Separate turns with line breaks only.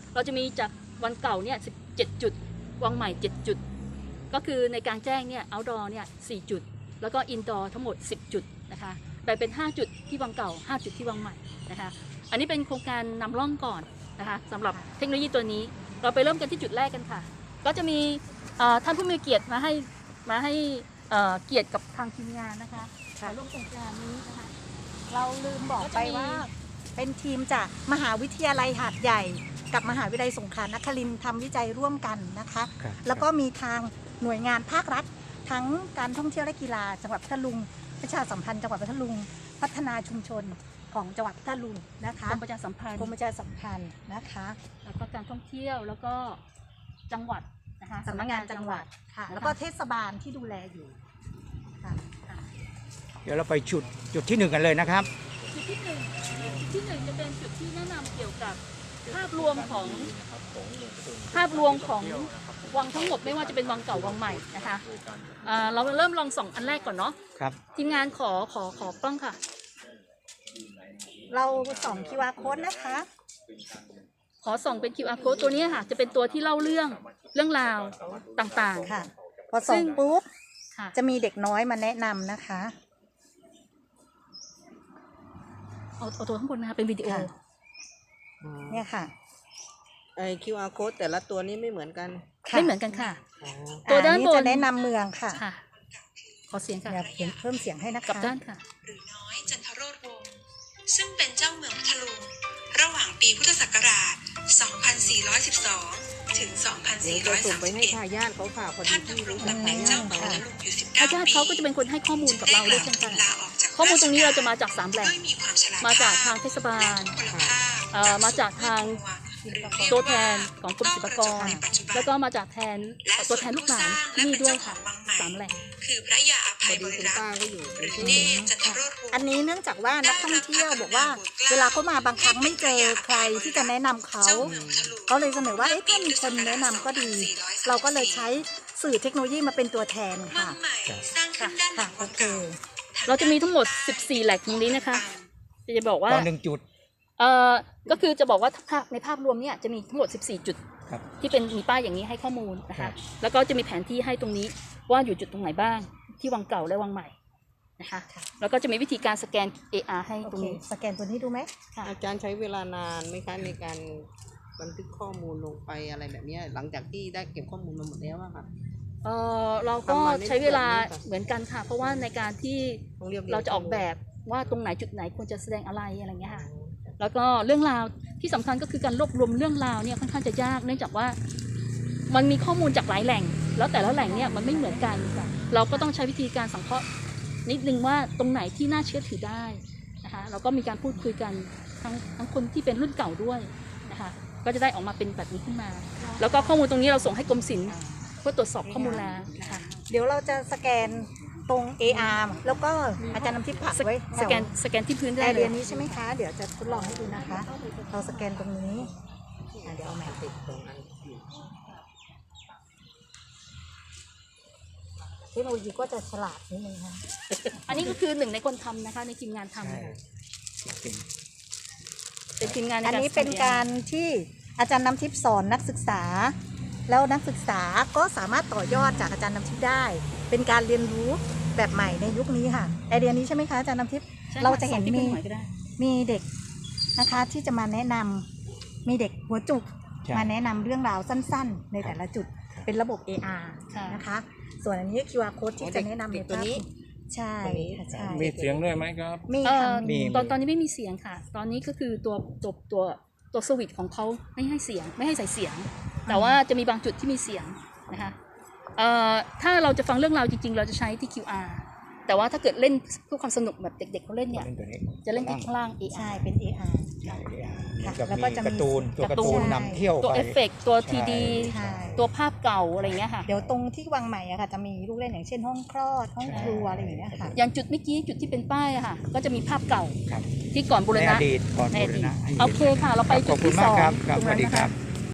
เราจะมีจากวันเก่าเนี่ย17 จุดวังใหม่7 จุดก็คือในกลางแจ้งเนี่ย outdoor เนี่ย4 จุดแล้วก็ indoor ทั้งหมด10 จุดนะคะแบ่งเป็น5 จุดที่วังเก่า5 จุดที่วังใหม่นะคะอันนี้เป็นโครงการนำร่องก่อนนะคะสำหรับเทคโนโลยีตัวนี้เราไปเริ่มกันที่จุดแรกกันค่ะก็จะมีท่านผู้มีเกียรติมาให้เกียรติกับทางทีมงานนะคะร่วมโครงการนี้นะคะ
เราลืมบอกไปว่าเป็นทีมจากมหาวิทยาลัยหาดใหญ่กับมหาวิทยาลัยสงขลานครินทร์ทำวิจัยร่วมกันนะคะแล้วก็มีทางหน่วยงานภาครัฐทั้งการท่องเที่ยวและกีฬาจังหวัดพัทลุงประชาสัมพันธ์จังหวัดพัทลุงพัฒนาชุมชนของจังหวัดพัทลุงนะคะ
กรมประชาสัมพันธ์
นะคะ
แล้วก็การท่องเที่ยวแล้วก็จังหวัดนะคะ
สำนักงานจังหวัดค่ะแล้วก็เทศบาลที่ดูแลอยู่ค่ะ
เดี๋ยวเราไปจุดที่ 1กันเลยนะครับ
จุดที่1จะเป็นจุดที่แนะนำเกี่ยวกับภาพรวมของวังทั้งหมดไม่ว่าจะเป็นวังเก่าวังใหม่นะคะเราเริ่มลองส่องอันแรกก่อนเนาะ
ครับ
ทีมงานขอกล้องค่ะ
เราส่อง QR code นะคะ
ขอส่องเป็น QR code ตัวนี้ค่ะจะเป็นตัวที่เล่าเรื่องราวต่างๆ
ค่ะพอส่องปุ๊บจะมีเด็กน้อยมาแนะนำนะคะ
เอาตัวข้างบนนะคะเป็นวิดีโอ
เนี่ยค่ะ
QR code แต่ละตัวนี้ไม่เหมือนกัน
ไม่เหมือนกันค่ะ
ตัวด้านบนจะแนะนำเมืองค่ะ
ขอเสียงค่ะ
เพิ่มเสียงให้นะคะ
กับด้านค่ะ
หรือน้อยจันทโรจน์วงศ์ซึ่งเป็นเจ้าเมืองพัทลุงระหว่างปีพุทธศักราช 2412 ถึง 2431
ทายาทเขาค่ะ
ท่านดำรงตำแหน่งเจ้าเมืองพัทลุงอยู่19 ปี
ทายาทเขาก็จะเป็นคนให้ข้อมูลกับเราด้วยเช่นกันข้อมูลตรงนี้เราจะมาจาก3 แหล่งมาจากทางเทศบาลมาจากทางตัวแทนของกรมศิลปากรแล้วก็มาจากตัวแทนลูกหลานที่นี่ด้วยค่ะ3 แหล่ง
คือพระยาอภัยบริรักษ์หรือเนตรจันทโรจน์วงศ์
อันนี้เนื่องจากว่านักท่องเที่ยวบอกว่าเวลาเขามาบางครั้งไม่เจอใครที่จะแนะนำเขาเลยเสนอว่าถ้ามีคนแนะนำก็ดีเราก็เลยใช้สื่อเทคโนโลยีมาเป็นตัวแทนค่ะ
โอเค
เราจะมีทั้งหมด14 แหล่งตรงนี้นะคะจะบอกว่า
1 จุด
ก็คือจะบอกว่าในภาพรวมเนี่ยจะมีทั้งหมด14 จุดที่เป็นมีป้ายอย่างนี้ให้ข้อมูลนะคะแล้วก็จะมีแผนที่ให้ตรงนี้ว่าอยู่จุดตรงไหนบ้างที่วังเก่าและวังใหม่นะคะแล้วก็จะมีวิธีการสแกน AR ให้ตรงนี้
สแกนตัวนี้ดูไหม
อาจารย์ใช้เวลานานไหมคะในการบันทึกข้อมูลลงไปอะไรแบบนี้หลังจากที่ได้เก็บข้อมูลมาหมดแล้วอะค่ะ
เราก็ใช้เวลาเหมือนกันค่ะเพราะว่าในการที่เราจะออกแบบว่าตรงไหนจุดไหนควรจะแสดงอะไรเงี้ยค่ะแล้วก็เรื่องราวที่สำคัญก็คือการรวบรวมเรื่องราวเนี่ยค่อนข้างจะยากเนื่องจากว่ามันมีข้อมูลจากหลายแหล่งแล้วแต่ละแหล่งเนี่ยมันไม่เหมือนกันเราก็ต้องใช้วิธีการสังเคราะห์นิดนึงว่าตรงไหนที่น่าเชื่อถือได้นะคะเราก็มีการพูดคุยกันทั้งคนที่เป็นรุ่นเก่าด้วยนะคะก็จะได้ออกมาเป็นแบบนี้ขึ้นมาแล้วก็ข้อมูลตรงนี้เราส่งให้กรมศิลป์เพื่อตรวจสอบข้อมูลแล้วนะคะ
เดี๋ยวเราจะสแกนตรง AR แล้วก็อาจารย์นำทิพย์ผักไว้
สแกนที่พื้นได้
เลยนี้ใช่ไหมคะเดี๋ยวจะทดลองให้ดูนะคะเราสแกนตรงนี้เดี๋ยวเอาแมปติดตรงนั้นเทคโนโลยีก็จะฉลาดนิดนึงค่ะ
อันนี้ก็คือ1ในคนทำนะคะในทีมงานทำเป็นทีมงาน
อันนี้เป็นการที่อาจารย์นำทิพย์สอนนักศึกษาแล้วนักศึกษาก็สามารถต่อยอดจากอาจารย์นำทิพย์ได้เป็นการเรียนรู้แบบใหม่ในยุคนี้ค่ะไอเดียนี้ใช่ไหมคะอาจารย์นำทิพย์เราจะเห็นมีเด็กนะคะที่จะมาแนะนำมีเด็กหัวจุกมาแนะนำเรื่องราวสั้นๆในแต่ละจุดเป็นระบบ AR นะคะส่วนอันนี้ QR code ที่จะแนะนำในตัวนี้ใช่
มีเสียงด้วยไหมครับ
มีค่ะ
ตอนนี้ไม่มีเสียงค่ะตอนนี้ก็คือตัวสวิตช์ของเขาไม่ให้เสียงไม่ให้ใส่เสียงแต่ว่าจะมีบางจุดที่มีเสียงนะคะถ้าเราจะฟังเรื่องราวจริงๆเราจะใช้ที่ QR แต่ว่าถ้าเกิดเล่นเพื่อความสนุกแบบเด็กๆเขาเล่นเนี่ยจะเล่นที่ข้างล่าง AR
ใช่เป็น AR
แล้วก็จะมีตัวการ์ตูนนำเที่ยว
ตัวเอฟเฟกต์ตัว 3D ตัวภาพเก่าอะไรเงี้ยค่ะ
เดี๋ยวตรงที่วังใหม่อะค่ะจะมีลูกเล่นอย่างเช่นห้องคลอดห้องครัวอะไรอย่างเงี้ยค่ะ
อย่างจุดเมื่อกี้จุดที่เป็นป้ายอะค่ะก็จะมีภาพเก่าที่ก่อนบูรณะ
ในอดีต
โอเคค่ะเราไปจุดที่2
สวัสดีครับ